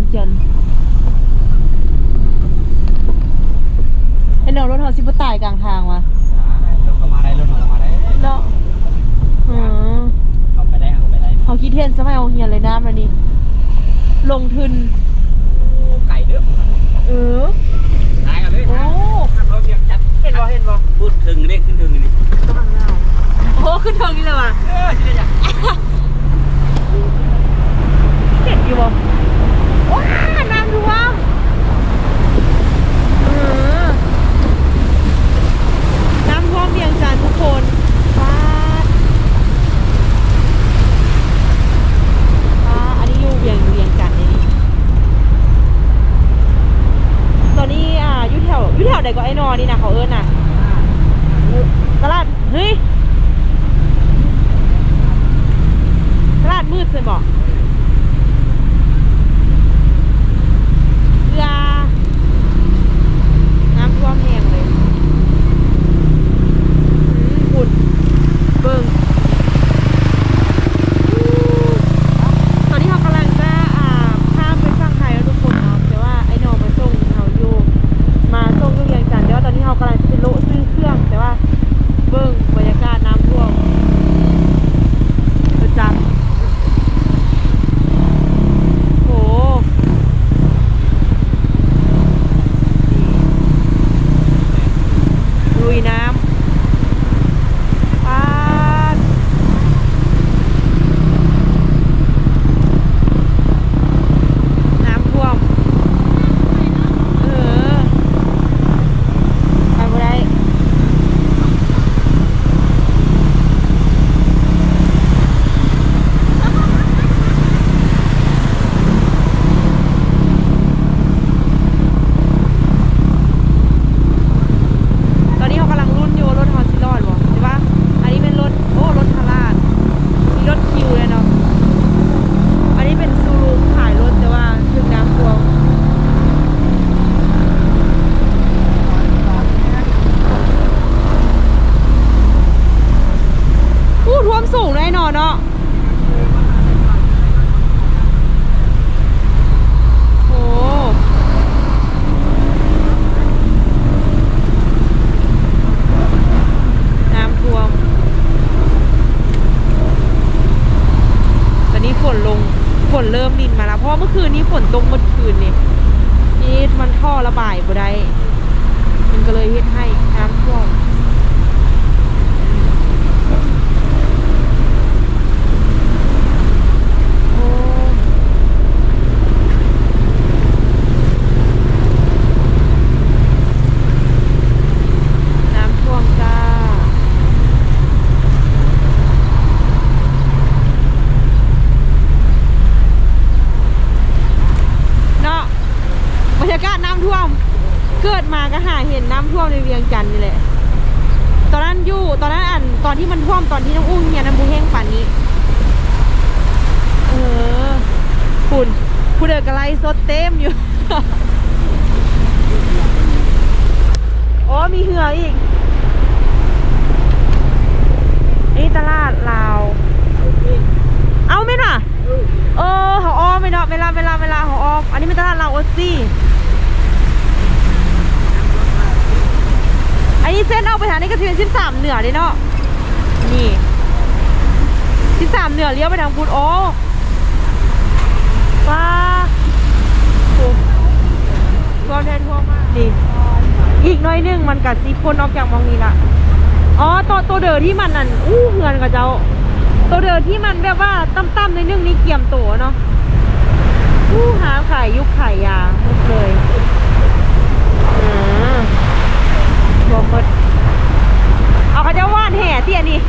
จันทร์ไอ้น้องรถเขาสิบ่ตายกลางทางวะรถเข้ามาได้รถเข้ามาได้เนาะเข้าไปได้เข้าไปได้เขาคิดเห็นสมัยเอาเฮียนเลยน้ำแล้วนี่ลงทุนไก่เด้อตายกันเลยโอ้เขาเรียกจัดเห็นบ่พูดถึงเด้ขึ้นถึงนี่กำลังเน่าโอ้ขึ้นเทิงนี่เลยว่ะที่ไหนเห็นอยู่บ่ว้าน้ำท่วมน้ำท่วมเวียงจันทร์ทุกคนว้าอันนี้อยู่เวียงจันทร์นี่ตอนนี้อยู่แถวใดก็ไอ้นอนี่นะเขาเอิ้นน่ะตลาดเฮ้ยตลาดมืดเลยบอกเรือน้ำท่วมแห้งเลยฝุ่นเบิ่งตอนนี้เขากำลังจะข้ามไปฝั่งไทยแล้วทุกคนเนาะแต่ว่าไอ้นอมาส่งเขาอยู่มาส่งที่เวียงจันทร์แต่ว่าตอนนี้เขากำลังจะไปโละซื้อเครื่องแต่ว่าเบิ่งบรรยากาศน้ำท่วมประจำโหลุยน้ำน้ำท่วมไปบ่ได้ตอนนี้เขากำลังรุ่นอยู่รถฮอสซิลอดบ่ใช่ปะอันนี้เป็นรถรถทาราดมีรถคิวเลยเนาะอันนี้เป็นซูรุขายรถแต่ว่าถึงน้ำท่วมท่วมสูงแน่นอนเนาะโอ้น้ำท่วมตอนนี้ฝนเริ่มรินมาแล้วเพราะเมื่อคืนนี้ฝนตกเมื่อคืนนี่มันท่อระบายบ่ได้มันก็เลยเฮ็ดให้น้ำท่วมน้ำท่วมจ้าเนาะบรรยากาศน้ำท่วมเกิดมาก็หาเห็นน้ำท่วมในเวียงจันทร์นี่แหละตอนนั้นตอนที่มันท่วมตอนที่น้องอุ้งเนี่ยน้ำบูแห้งป่านนี้คุณผู้เดินกระไรสดเต็มอยู่ โอ้มีเหืออีกนี่ตลาดลาวเอาไหมน่ะเขาอ้อมไม่เนาะเวลาเขาอ้อมอันนี้เป็นตลาดลาวโอซี่อันนี้เส้นเอาไปทางนี้ก็จะเป็น13เหนือเลยเนาะนี่13เหนือเลี้ยวไปทางพุทธว้าท่วมแทนท่วมมากนี่อีกน้อยนึงมันกัดซีพ่นออกจากมองนี้ละตัวเดินที่มันนั่นเหือนกับเจ้าตัวเดินที่มันแบบว่าตั้มๆในนึงนี่เกี่ยมโตเนาะหาขายยุคขายยาหมดเลยรวมหมดเอาเขาจะว่านแห่เตี้ยนี่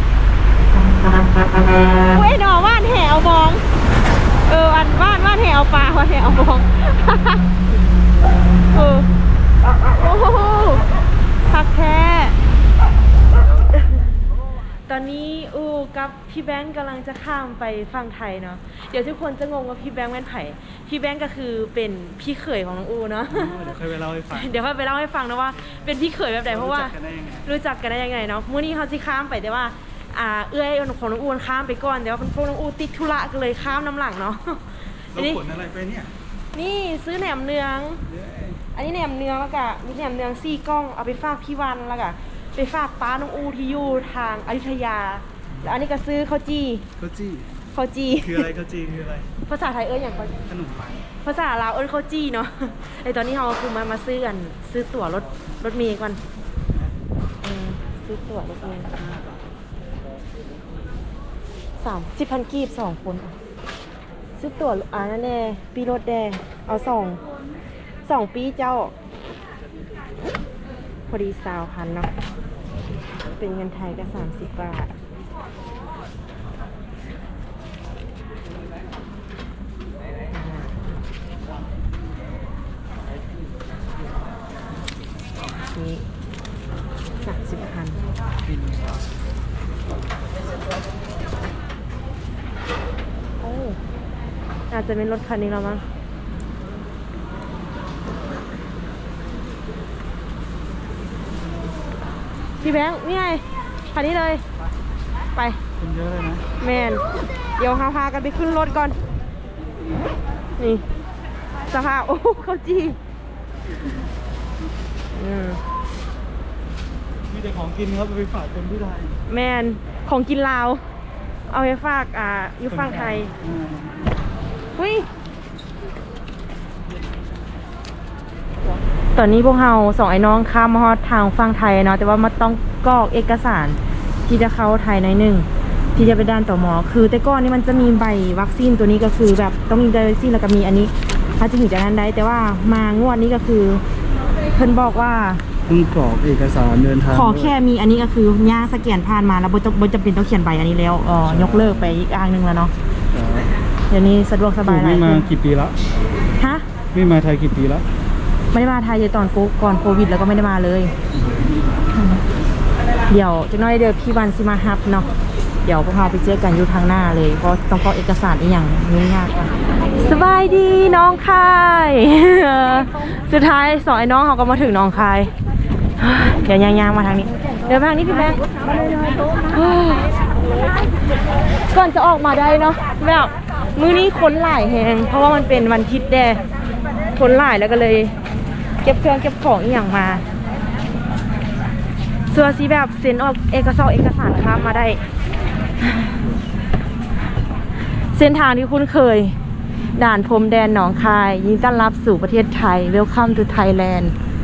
เว้ยหนอว่านแห่เอามองอันว่านแห่เอาปลาว่านแห่เอามองโอ้โหพักแท้ตอนนี้กับพี่แบงค์กำลังจะข้ามไปฝั่งไทยเนาะเดี๋ยวทุกคนจะงงว่าพี่แบงค์เป็นไผ่พี่แบงค์ก็คือเป็นพี่เขยของน้องอูเนาะเดี๋ยวค่อยไปเล่าให้ฟังนะว่าเป็นพี่เขยแบบไหนเพราะว่ารู้จักกันได้ยังไงเนาะมื้อนี้เขาสิข้ามไปแต่ว่าเอื้อยของน้องอูข้ามไปก่อนแต่ว่าพวกน้องอูติดธุระก็เลยข้ามน้ำหลังเนาะเราขนอะไรไปเนี่ยนี่ซื้อแหนมเนือง อันนี้แหนมเนืองแล้วก็มีแหนมเนือง4กล้องเอาไปฝากพี่วันแล้วก็ไปฝากป้าน้องอูที่อยู่ทางอยุธยาแล้วอันนี้ก็ซื้อข้าวจี้ข้าวจี้ข้าวจี้คืออะไรข้าวจี้คืออะไรภาษาไทยอย่างก่อนขนมปังภาษาลาวข้าวจี้เนาะไอตอนนี้เราคือมาซื้อกันซื้อตั๋วรถเมล์ก่อนซื้อตั๋วรถเมล์30,000 กีบ2 คนซื้อตั๋วนั่นแน่ปีรถแดงเอา2 ปีเจ้าพอดี20,000เนาะเป็นเงินไทยก็30 บาทนี่30,000โอ้อาจจะเป็นรถคันนี้แล้วมั้งพี่แบงค์นี่ไงคันนี้เลยไปคนเยอะเลยนะแมนเดี๋ยวพากันไปขึ้นรถก่อนนี่สภาพโอ้เขาจีมีแต่ของกินครับไปฝากคนที่ไทยแมนของกินลาวเอาไปฝากอยู่ฝั่งไทยเฮ้ยตอนนี้พวกเรา2 ไอ้น้องข้ามมาฮอดทางฝั่งไทยเนาะแต่ว่ามันต้องกรอกเอกสารที่จะเข้าไทยในหนึ่งที่จะไปด้านต่อหมอคือแต่ก่อนนี่มันจะมีใบวัคซีนตัวนี้ก็คือแบบต้องมีใบวัคซีนแล้วก็มีอันนี้ถ้าจะถึงจะนั้นได้แต่ว่ามางวดนี้ก็คือเพิ่นบอกว่าต้องกรอกเอกสารเดินทางขอแค่มีอันนี้ก็คือย่างสแกนผ่านมาแล้วบ่จำเป็นต้องเขียนใบอันนี้แล้วยกเลิกไปอีกอ้างหนึงแล้วเนาะเดี๋ยวนี้สะดวกสบายหลายไม่มาขึ้นกี่ปีละฮะไม่มาไทยกี่ปีละไม่ได้มาไทยเลยตอนก่อนโควิดแล้วก็ไม่ได้มาเลยเดี๋ยวจะน้อยเดี๋ยวพี่วันสิมาฮับเนาะเดี๋ยวพวกเราไปเจอกันอยู่ทางหน้าเลยเพราะต้องกรอกเอกสารอีกอย่างยุ่งยากกันสบายดีน้องคายสุดท้าย2 ไอ้น้องเขาก็มาถึงน้องคายเดี๋ยวยางๆมาทางนี้เดี๋ยวมาทางนี้พี่แบงค์ก่อนจะออกมาได้เนาะแบบมื้อนี้คนหลายแหงเพราะว่ามันเป็นวันอาทิตย์แดคนหลายแล้วก็เลยเก็บเครื่องเก็บของอีกอย่างมาเสื้อสีแบบเซ็นออกเอกสารข้ามมาได้เส้นทางที่คุ้นเคยด่านพรมแดนหนองคายยินดีต้อนรับสู่ประเทศไทย Welcome to Thailand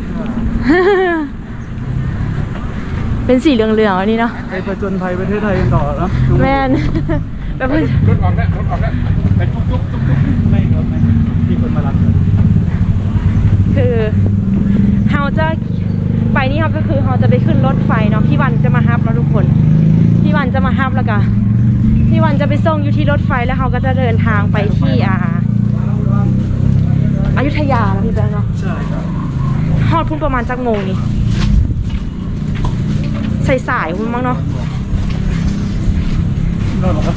เป็นสีเหลืองๆอันนี้เนาะไปประจนภัยประเทศไทยกันต่อแล้วแมนแบบรถออกแล้วเป็นทุกไม่ครับไม่ที่คนมารับคือเราจะไปนี่ครับก็คือเราจะไปขึ้นรถไฟเนาะพี่วันจะมาฮับเราทุกคนพี่วันจะมาฮับแล้วก็พี่วันจะไปส่งอยู่ที่รถไฟแล้วเขาก็จะเดินทางไปที่อยุธยาแล้วพี่แบงค์เนาะใช่ครับฮอดพุ่งประมาณจักโมงนี่สายๆพุ่งมั้งเนาะนั่นเหรอครับ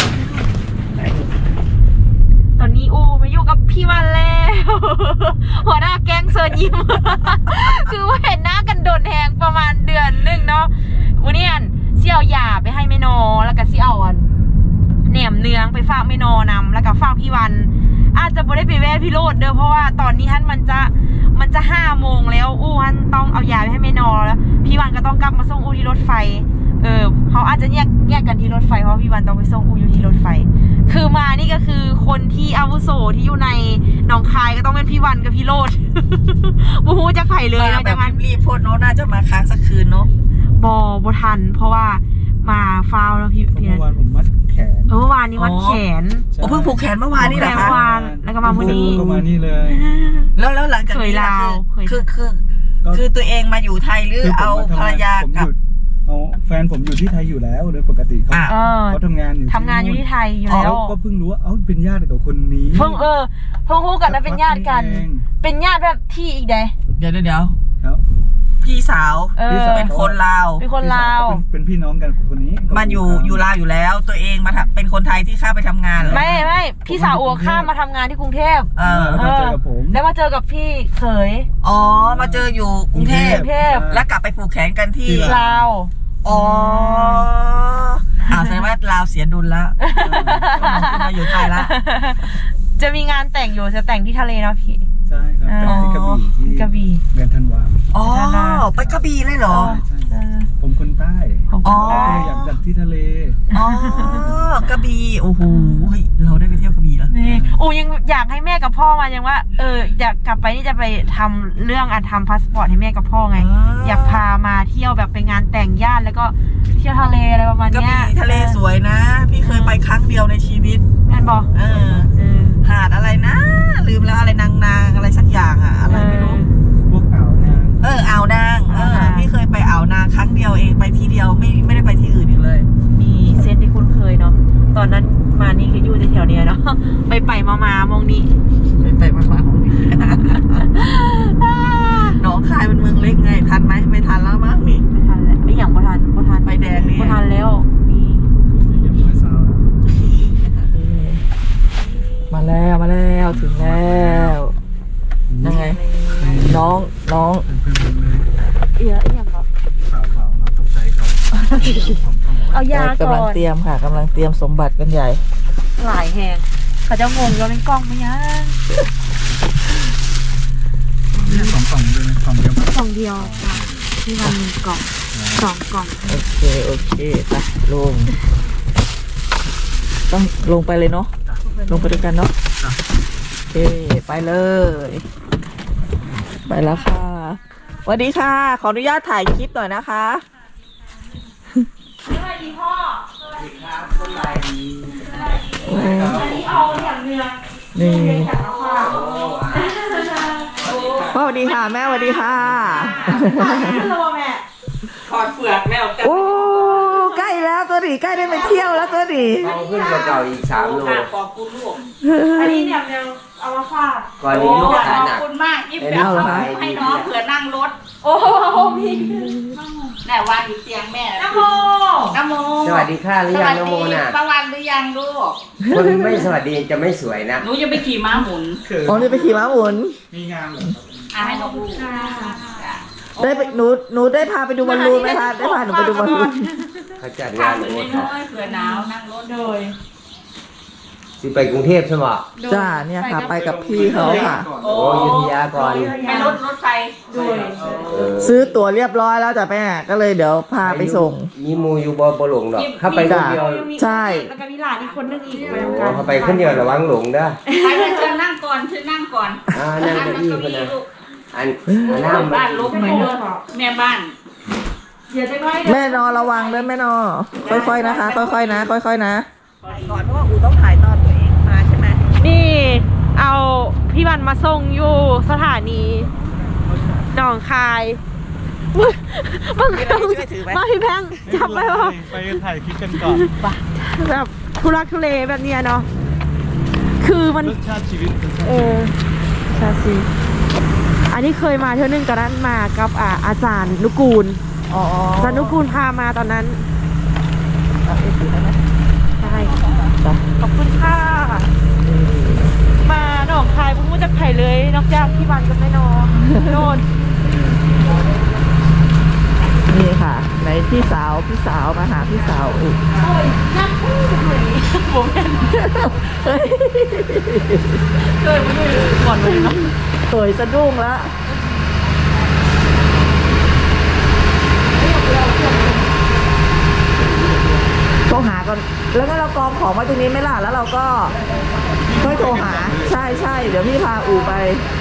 ตอนนี้อูมาอยู่กับพี่วันแล้ว หัวหน้าแก๊งเซิร์นยิ้ม คือว่าเห็นหน้ากันโดนแหงประมาณเดือนนึงเนาะวันนี้เสี่ยวหยาไปให้แม่นอแล้วก็เสี่ยวแหนมเนืองไปฝากแม่นอนำแล้วก็ฝากพี่วันอาจจะไม่ได้ไปแวะพี่โรดเด้อเพราะว่าตอนนี้ท่านมันจะ5 โมงแล้วอู้ท่านต้องเอายาไปให้แม่นอแล้วพี่วันก็ต้องกลับมาส่งอู้ที่รถไฟเขาอาจจะแยกกันที่รถไฟเพราะพี่วันต้องไปส่งอู้อยู่ที่รถไฟคือมานี่ก็คือคนที่อาวุโสที่อยู่ในหนองคายก็ต้องเป็นพี่วันกับพี่โรด บูฮูจะไผ่เลยนะจากนั้นรีบโพดโน้ตน่าจะมาค้างสักคืนเนาะบทันเพราะว่ามาฟาวแล้วพี่เมื่อวานผมมัดแขนเมื่อวานนี้วัดแขนโอ้เพิ่งผูกแขนเมื่อวานนี่แหละเมื่คะอวานแล้วก็มาวันนี้ก็มานี่เลยแล้วหลังจากนี้ล่ะคือตัวเองมาอยู่ไทยหรือเอาภรรยากับแฟนผมอยู่ที่ไทยอยู่แล้วโดยปกติเขาทำงานอยู่ที่ไทยอยู่แล้วก็เพิ่งรู้ว่าเป็นญาติกับคนนี้เพิ่งรู้กันนะเป็นญาติกัน เป็นญาติแบบที่อีกเด้เดี๋ยวครับพี่สาวเป็นคนลาวเป็นคนลาวเป็นพี่น้องกันกับคนนี้มาอยู่ลาวอยู่แล้ว ตัวเองมาเป็นคนไทยที่ข้าไปทำงานเหรอไม่พี่สาวอัวข้ามมาทำงานที่กรุงเทพแล้วมาเจอกับผมแล้วมาเจอกับพี่เขยอ๋อมาเจออยู่กรุงเทพ แล้วกลับไปผูกแขนกันที่ลาวอ๋อแสดงว่าลาวเสียดุลแล้วมาอยู่ไทยละจะมีงานแต่งอยู่จะแต่งที่ทะเลเนาะพี่ใช่ครับแต่ที่กระบี่ที่กระบี่เดือนธันวาอ๋อไปกระบี่เลยเหรอใช่ผมคนใต้อ๋อก็เลยอยากจัดที่ทะเลอ๋อกระบี่โอ้โหเฮ้ยเราได้ไปเที่ยวกระบี่แล้วนี่โอ้ยังอยากให้แม่กับพ่อมายังว่าอยากกลับไปนี่จะไปทำเรื่องทำพาสปอร์ตให้แม่กับพ่อไง อยากพามาเที่ยวแบบไปงานแต่งญาติแล้วก็เที่ยวทะเลอะไรประมาณกระเนี้ยบี่ทะเลสวยนะ พี่เคยไปครั้งเดียวในชีวิตแม่นบอกหาดอะไรนะ ลืมแล้วอะไรนางอะไรสักอย่างอะอะไรไม่รู้พวกอ่าวนางอ่าวนางพี่เคยไปอ่าวนางครั้งเดียวเองไปที่เดียวไม่ได้ไปที่อื่นอีกเลยมีเส้นที่คุ้นเคยเนาะตอนนั้นมานี่คืออยู่แถวๆเนี้ยเนาะไปมามองนี่ไปมาของนี่ หนองคายเป็นเมืองเล็กไงทันไหมไม่ทันแล้วมั้งนี่ไม่ทันแล้วไม่อย่างบ่ทันไฟแดงนี่บ่ทันแล้วมีอย่างน้อยซาวนะมาแล้วถึงแล้วยังไงน้องเพื่อนๆเลยเอียอย่างก็ข่าวเราตกใจเขาของกล้องเอายาก่กำลังอนเตรียมค่ะกำลังเตรียมสมบัติกันใหญ่หลายแหงเขาจะงงว่าเป็นกล้องไหมยังเนี่ย2 กล่องด้วยนะกล่องเดียวกล่องเดียวค่ะที่มันมีกล่อง2 กล่องโอเคไปลงต้องลงไปเลยเนาะลงไปด้วยกันเนาะโอเคไปเลย ไปแล้วค่ะสวัสดีค่ะขออนุญาตถ่ายคลิปหน่อยนะคะสวัสดีพ่อครับสบายดีอันนี้เอาอย่างเนื้อนี่จากน้ำข้าวพ่อสวัสดีค่ะแม่สวัสดีค่ะขึ้นแล้วแม่ถอดเปลือกแล้วโอ้ใกล้แล้วตัวดีใกล้ได้ไปเที่ยวแล้วตัวดีเอาขึ้นกว่าเก่าอีก3 โลขอบคุณลูกอันนี้เนี่ยเนื้อเอามาฝากก่อนนี้ลูกขายหนักขอบคุณมากที่ไอ้แบนี่บขายให้ดีน้องเผื่อนั่งรถโอ้โหพี่แม่วางอยู่เตียงแม่น้ำโมน้ำโมสวัสดีค่ะหรือยังน้องโมน่ะประวันหรือยังลูกคนไม่สวัสดีจะไม่สวยนะหนูจะไปขี่ม้าหมุนอ๋อนี่ไปขี่ม้าหมุนมีงานเหรอให้น้องลูกได้ไปหนูได้พาไปดูบอลลูนไหมคะได้พาหนูไปดูบอลลูนเขาจัดข้างานวเหมือนโอ้น้อยๆเผื่อหนาวนั่งรถโดยสิไปกรุงเทพใช่ไหมจ้าเนี่ยค่ะไปกับพี่เขาค่ะโอ้อยุธยาก่อนไปรถไฟโดยเออซื้อตั๋วเรียบร้อยแล้วจ้ะแม่ก็เลยเดี๋ยวพาไปส่งมีหมูอยู่บ่หลงดอกถ้าไปคนเดียวใช่แล้วก็มีหลานอีกคนนึงอีกไปโอ้ทำกันเขาไปคนเดียวระวังหลงเด้อไปเลยเชิญนั่งก่อนเชิญนั่งก่อนนั่งเก้าอี้คนนะอันน้ำบ้านลบหน่อยเด้อแม่บ้านเดี๋ยวจะก้อยแม่นอระวังด้วยแม่นอค่อยๆนะคะ ค่อยๆนะค่อยๆนะก่อนเพราะว่าอูต้องถ่ายตอนตัวเองมาใช่ไหมนี่เอาพี่วันมาส่งอยู่สถานีหนองคายมึงมาพี่แพงจับไปวะไปถ่ายคลิปกันก่อนแบบทุลักทุเลแบบเนี้ยเนาะคือมันรสชาติชีวิตชาซีอันนี้เคยมาเท่านึงตอนนั้นมากับอาจารย์นุกูลอ๋ออาจารย์นุกูลพามาตอนนั้นใช่ขอบคุณค่ะมาหนองคายพุ่งมาจากไผ่เลยนอกจากพี่วันกับแม่นอโน่นนี่ค่ะในพี่สาวมาหาพี่สาวอูโอ้ยนักพูดเลยผมเห็นเคยมาด้วยก่อนเลยเนาะสวยสะดุ้งแล้วโทรหาก่อนแล้วงั้นเรากองของไว้ตรงนี้ไหม่ล่ะแล้วเราก็ค่อยโทรหาใช่เดี๋ยวพี่พาอูไป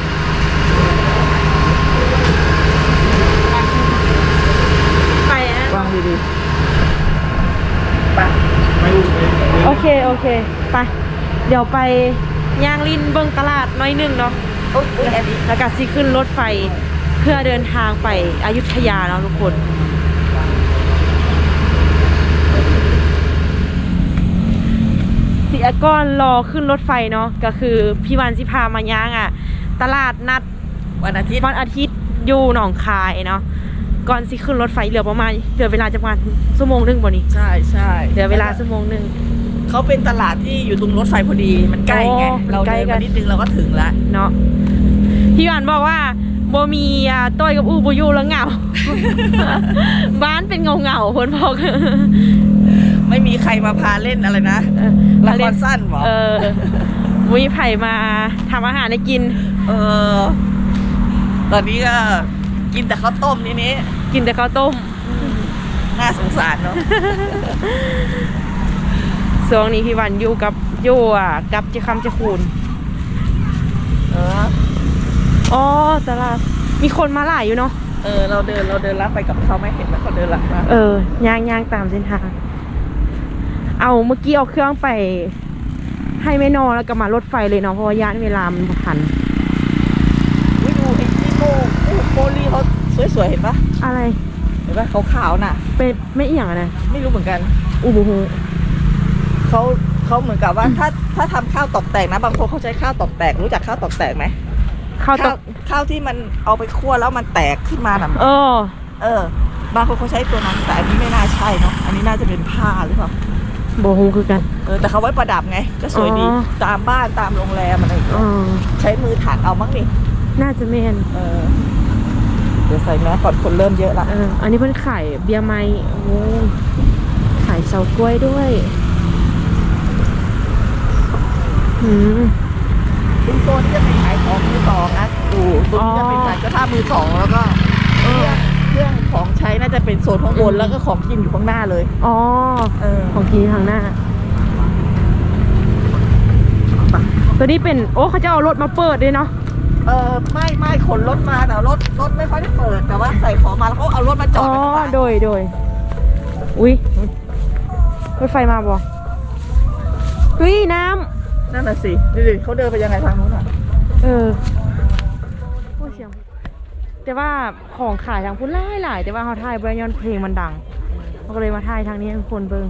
ไปอะวางดีโอเคไปเดี๋ยวไปย่างลินเบิงตลาดน้อยหนึ่งเนาะแล้วก็สิขึ้นรถไฟเพื่อเดินทางไปอยุธยาเนาะทุกคนสิก้อนรอขึ้นรถไฟเนาะก็คือพี่วันสิพามาย่างตลาดนัดๆวันอาทิตย์วันอาทิตย์อยู่หนองคายเนาะก่อนสิขึ้นรถไฟเหลือประมาณเวลาจะประมาณชั่วโมงนึงบ่นี้ใช่เหลือเวลาชั่วโมงนึงเขาเป็นตลาดที่อยู่ตรงรถไฟพอดีมันใกล้ไงโอ้มันเราใกล้เดินกัมาน นิดนึงเราก็ถึงละเนาะพี่หวานบอกว่าโบมีต้อยกับอูบูยูแล้วเหงา บ้านเป็นเงาๆคนบอกไม่มีใครมาพาเล่นอะไรนะละครสั้นหรอมีไผ่มาทำอาหารให้กินตอนนี้ก็กินแต่ข้าวต้มนี้กินแต่ข้าวต้มน่าสงสารเนาะช่วงนี้พี่วันอยู่กับโยอ่ะกับเจ้าคำเจ้าคูณอ๋อตลาดมีคนมาหลายอยู่เนาะเราเดินลัดไปกับเขาไม่เห็นแล้วเขาเดินลัดมาย่างตามเส้นทางเอาเมื่อกี้เอาเครื่องไปให้แม่นอแล้วก็มารถไฟเลยเนาะเพราะว่าย่านเวลามันบ่ทันวิดูไอ้ที่โมลีเขาสวยๆเห็นปะอะไรเห็นปะขาวๆน่ะเป็นไม่เอียงอะนะไม่รู้เหมือนกันอูบูฮูเขาเหมือนกับว่าถ้าทำข้าวตอกแตกนะบางคนเขาใช้ข้าวตอกแตกรู้จักข้าวตอกแตกไหมข้าวตกข้าวที่มันเอาไปคั่วแล้วมันแตกขึ้นมาน่ะ บางคนเขาใช้ตัวนั้นแต่อันนี้ไม่น่าใช่เนาะอันนี้น่าจะเป็นผ้าหรือเปล่าบูฮูคือกันแต่เขาไว้ประดับไงก็สวยดีอ๋อตามบ้านตามโรงแรมอะไรอย่างเงี้ยใช้มือถักเอามั้งนี่น่าจะแม่นเดี๋ยวใส่แมสก่อนคนเริ่มเยอะละอันนี้เพิ่นขายเบียร์ไม้โอ้ขายเฉาก๊วยด้วยเป็นโซนที่จะเป็นขายของมือสองนะดูตัวนี้จะเป็นขายกระทะมือสองแล้วก็เครื่องของใช้น่าจะเป็นโซนข้างบนแล้วก็ของกินอยู่ข้างหน้าเลยของกินทางหน้าตัวนี้เป็นเขาจะเอารถมาเปิดด้วยเนาะไม่ขนรถมาแต่รถไม่ค่อยได้เปิดแต่ว่าใส่ของมาแล้วเขาเอารถมาจอดไว้ข้างหลังโดยอุ้ยรถไฟมาบ่อุ้ยน้ำนั่นน่ะสิดูดิเขาเดินไปยังไงทางนู้นอ่ะโอ้เสียงแต่ว่าของขายทางพุ่นหลายแต่ว่าเขาถ่ายบรยอนเพลงมันดังเขาก็เลยมาถ่ายทางนี้ให้คนเบิ่ง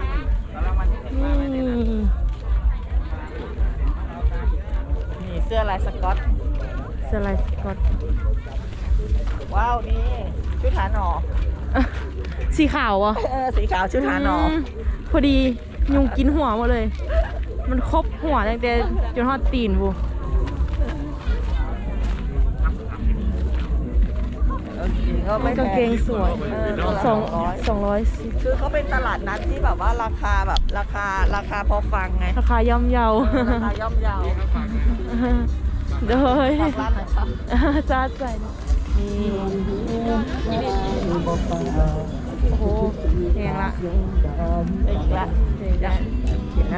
นี่เสื้อลายสก๊อตสไลด์สกอตว้าวนี่ชุดหาหนอสีขาวอ่ะสีขาวชุดหาหนอพอดียุงกินหัวหมดเลย มันครบหัวตั้งแต่จนทอดตีนบู กางเกงสวย210 คือเขาเป็นตลาดนัดที่แบบว่าราคาพอฟังไงราคาย่อมเยาราคาย่อมเยาโดยฝากร้านหน่อยครับจ้าใจนี่โอ้โหแพงละได้อีกแล้วเห็นแล้ว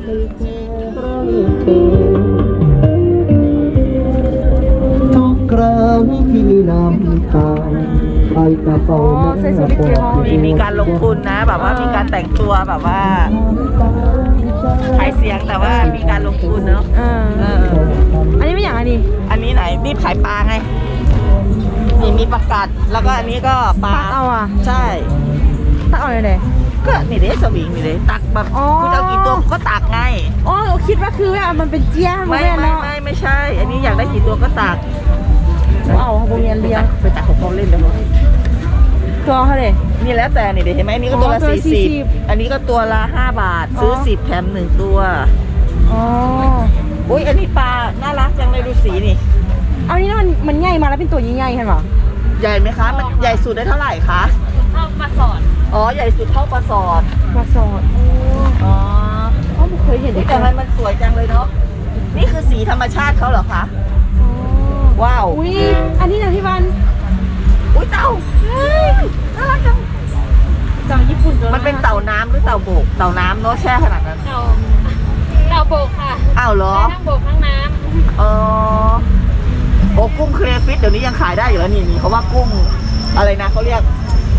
ทุกครั้งที่น้ำตาไปกระเป๋าใส่สูทกี่ห้อมีการลงทุนนะแบบว่ามีการแต่งตัวแบบว่าขายเสียงแต่ว่ามีการลงทุนเนาะอันนี้ไม่อย่างอันนี้อันนี้ไหนรีบขายปลาไงนี่มีประกาศแล้วก็อันนี้ก็ปลาตักเอาอ่ะใช่ตักเอาเลยก็นี่เด้สวิงนี่เด้ตักแบบอ๋อคุณเอากี่ตัวก็ตักไงอ๋อคิดว่าคือว่ามันเป็นเจี๊ยบไม่ใช่ อันนี้อยากได้กี่ตัวก็ตักเอาโรงเรียนเลี้ยงไปตักของเขาเล่นเดี๋ยวตัวเขาเลยนี่แล้วแต่นี่เดี๋ยวเห็นไหมอันนี้ก็ตัวละตัวละ 40อันนี้ก็ตัวละ5 บาทซื้อ10แถม1ตัวอ๋ออุ้ยอันนี้ปลาน่ารักจังเลยดูสีนี่เอานี่นะมันใหญ่มาแล้วเป็นตัวใหญ่ๆเห็นปะใหญ่ไหมคะมันใหญ่สุดได้เท่าไหร่คะเข้ามาสอนอ๋อใหญ่สุดเท่าปลาสอดมาสอดอ๋อไม่เคยเห็นอุ๊ยแต่มันสวยจังเลยเนาะนี่คือสีธรรมชาติเขาเหรอคะว้าวอุ้ยอันนี้นะพี่วันอุ้ยเต่าเฮ้ยน่ารักจังเต่าญี่ปุ่นตัวมันเป็นเต่าน้ำหรือเต่าโบกเต่าน้ำเนาะแช่ขนาดนั้นเราโบกค่ะอ้าวเหรอทั้งโบกทั้งน้อ๋อโอ้กุ้งเครฟิตเดี๋ยวนี้ยังขายได้อยู่แล้วนี่เขาว่ากุ้งอะไรนะเขาเรียก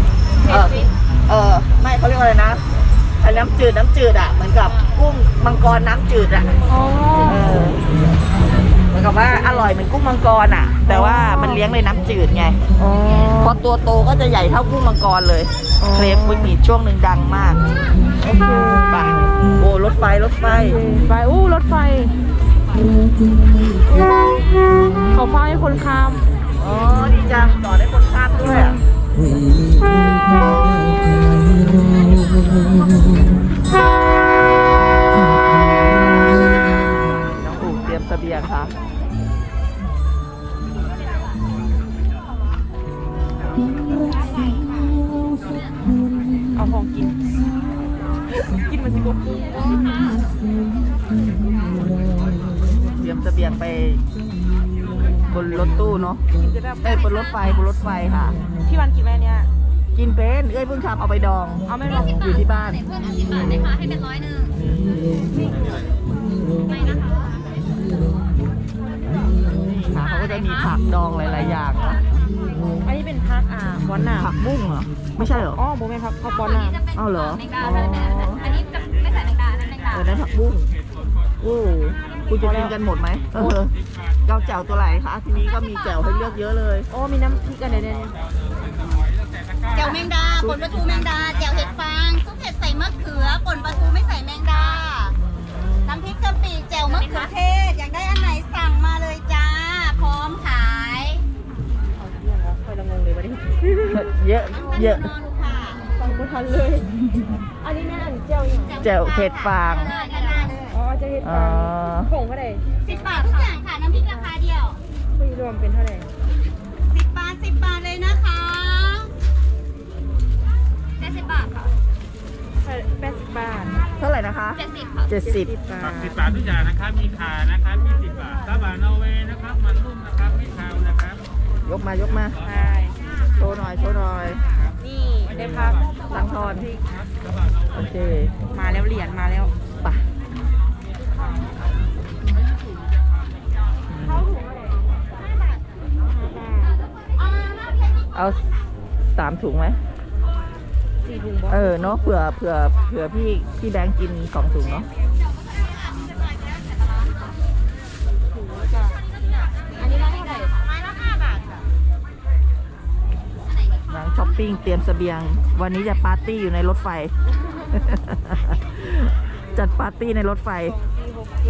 ไม่เขาเรียกว่าอะไรนะไอ้น้ำจืดอ่ะเหมือนกับกุ้งมังกรน้ำจืดอ่ะอ๋อเหมือนกับว่าอร่อยเหมือนกุ้งมังกรอ่ะ แต่ว่ามันเลี้ยงในน้ำจืดไงอ๋อพอตัวโตก็จะใหญ่เท่ากุ้งมังกรเลยอ๋อเครฟิตมีช่วงหนึ่งดังมากโอเคไปโอ้รถไฟไปรถไฟเขาฟ้าให้คนข้ามอ๋อดีจังต่อได้คนข้ามด้วยอ่ะน้องอู๋เตรียมเสบียงค่ะเอาของกิน กินมันสิบุกบียงไปบนรถตู้เนาะกินจะได้บนรถไฟค่ะพี่วันกินไหมเนี่ยกินเป็นเพิ่งทำเอาไปดองเอาไม่บอกอยู่ที่บ้านเพิ่ม10 บาทนะคะให้เป็น100ไม่นะคะค่ะเขาก็จะมีผักดองหลายๆอย่างเนาะอันนี้เป็นพักบอลหนาผักบุ้งเหรอไม่ใช่เหรออ๋อโบแม่พักบอลหนาจะเป็นเอาเหรอแมงดาอันนี้จะไม่ใส่แมงดาอันนั้นแมงดานั่นผักบุ้งโอ้คุณจะกินกันหมดไหมเจ้าแจ่วตัวไหนคะทีนี้ก็มีแจ่วให้เลือกเยอะเลยโอ้มีน้ำพริกกันเดี๋ยวแจ่วแมงดาป่นปลาทูแมงดาแจ่วเห็ดฟางซุปเห็ดใส่มะเขือป่นปลาทูไม่ใส่แมงดาน้ำพริกกะปิแจ่วมะเขือเทศอยากได้อันไหนสั่งมาเลยจ้าพร้อมขายคอยละงงเลยวันนี้เยอะเยอะนอนดูค่ะฟังไม่ทันเลย อันนี้แม่อันเจียวยังแจ่วเห็ดฟางด้านหน้าเลยอ๋อจะเห็ดฟางผงเท่าไหร่ 10 บาททุกอย่างค่ะน้ำพริกราคาเดียวคุยรวมเป็นเท่าไหร่ 10 บาท10 บาทเลยนะคะ 70 บาทค่ะ 80 บาทเท่าไหร่นะคะ 70ค่ะ 70 บาท 10 บาททุกอย่างนะครับมีขานะครับ20 บาทซาบะนอร์เวย์นะครับมันนุ่มนะครับไม่คาวนะครับยกมาใช่โชว์หน่อยนี่ได้พักสังทอนโอเคมาแล้วเหรียญมาแล้วไปเข้าถุงเท่าไหร่5 บาทเอา3 ถุงไหม 4 ถุงบอเนาะเผื่อพี่แบงค์กิน2 ถุงเนาะถุงแล้วจ้ะอันนี้เราเท่าไหร่ไม้ละ5 บาทค่ะหลังช้อปปิ้งเตรียมเสบียง วันนี้จะปาร์ตี้อยู่ในรถไฟ จัดปาร์ตี้ในรถไฟ 4 6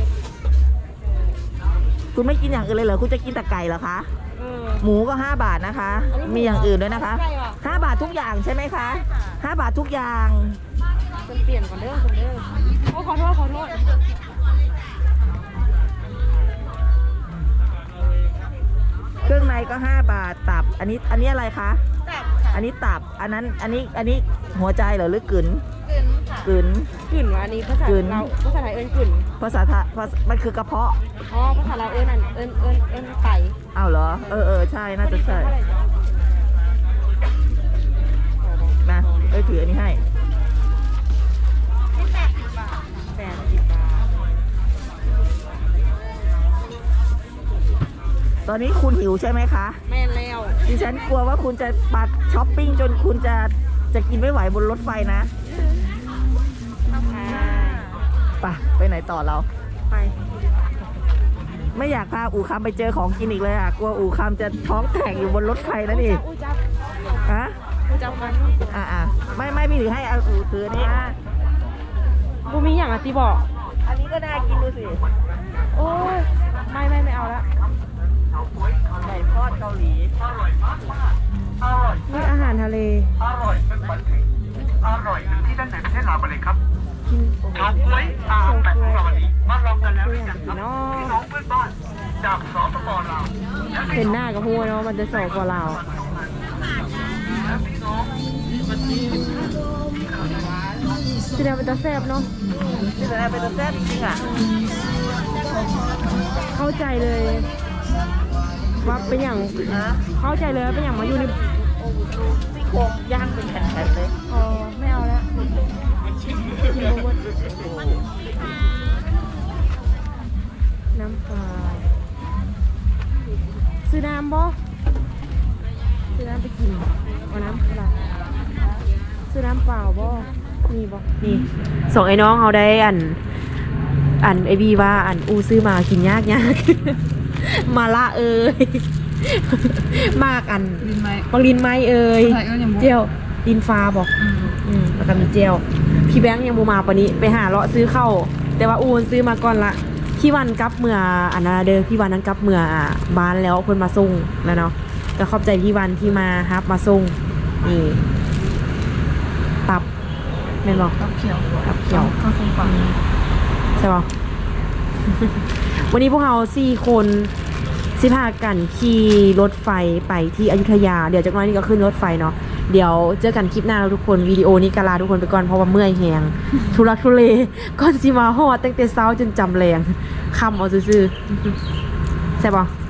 7 คุณไม่กินอย่างอื่นเลยเหรอคุณจะกินแต่ไก่เหรอคะ หมูก็5 บาทนะคะอันนี้หมูมีอย่างอื่นด้วยนะคะใช่ค่ะ 5 บาททุกอย่างใช่ไหมคะ5 บาททุกอย่างฉันเปลี่ยนก่อนเด้อคนเด้อโอ้ขอโทษเครื่องในก็5 บาทตับ อันนี้อะไรคะอันนี้ตับอันนี้หัวใจเหรอหรือกึ๋นกึ๋นกลิ่นว่าอันนี้ภาษาเราภาษาไทยเอิ้นกลิ่นภาษาไทยมันคือกระเพาะอ๋อภาษาเราเอิ้นอันเอิ้นไก่อ้าวเหรอใช่น่าจะใช่นะถืออันนี้ให้ 80 บาทตอนนี้คุณหิวใช่ไหมคะแม่นแล้วดิฉันกลัวว่าคุณจะปัดช้อปปิ้งจนคุณจะกินไม่ไหวบนรถไฟนะไปไหนต่อเราไปไม่อยากพาอู่คำไปเจอของกินอีกเลยอ่ะกลัวอู่คำจะท้องแตกอยู่บนรถไฟนะนี่อู้จับฮะกันไม่พี่ถือให้เอาอู่ถืออันนี้บูมีอย่างอ่ะตีบอกอันนี้ก็น่ากินดูสิโอ้ยไม่เอาละไก่ทอดเกาหลีนี่อาหารทะเลอร่อยเป็นฝันถึงอร่อยถึงที่ด้านไหนประเทศลาวมาเลยครับกินชาวกล้วยอาหารแบบของเราวันนี้มาลองกันแล้วหตัวรืออยัย่างงคพี่รับน้องพี่น้องเพื่อนบ้านจากสปปลาวเห็นหน้ากับหัวเนาะมันจะสอกว่าเราที่นั่นมันจะแซ่บเนาะนี่แหละเป็นตัวแซ่บจริงๆอ่ะเข้าใจเลยว่าเป็นอย่างนะเข้าใจเลยว่าเป็นอย่างมาอยู่ในซี่โครงย่างเป็นแผ่นๆเลยอ๋อไม่เอาแล้วกินหมดน้ำปลาซื้อน้ำบ่ซื้อน้ำไปกินเอาน้ำเปล่าซื้อน้ำเปล่าบ่มีบ่นี่ส่งไอ้น้องเขาได้อันไอบีว่าอันอูซื้อมากินยาก มาละเอ้ย มากอันบางลินไม้เอ้ยเจียวดินฟ้าบอกแล้วก็มีเจียวพี่แบงค์ยังบูมาปะนี้ไปหาเลาะซื้อเข้าแต่ว่าอูนซื้อมาก่อนละพี่วันกลับเมื่ออันนั้นเด้อพี่วันนั้นกลับเมื่อบ้านแล้วเพิ่นมาส่งแล้วเนาะก็ขอบใจพี่วันที่มาฮับมาส่งนี่ตับแม่นบอกตับเขียวใช่ป่ะ วันนี้พวกเรา4 คนสิพากันขี่รถไฟไปที่อยุธยาเดี๋ยวจากนั้นนี่ก็ขึ้นรถไฟเนาะเดี๋ยวเจอกันคลิปหน้าแล้วทุกคนวิดีโอนี้กาลาทุกคนไปก่อนเพราะว่าเมื่อยแหงทุลักทุเลก่อนสิมาฮอดตั้งแต่เช้าจนจำแรงคำเอาซื่อๆใช่ปะ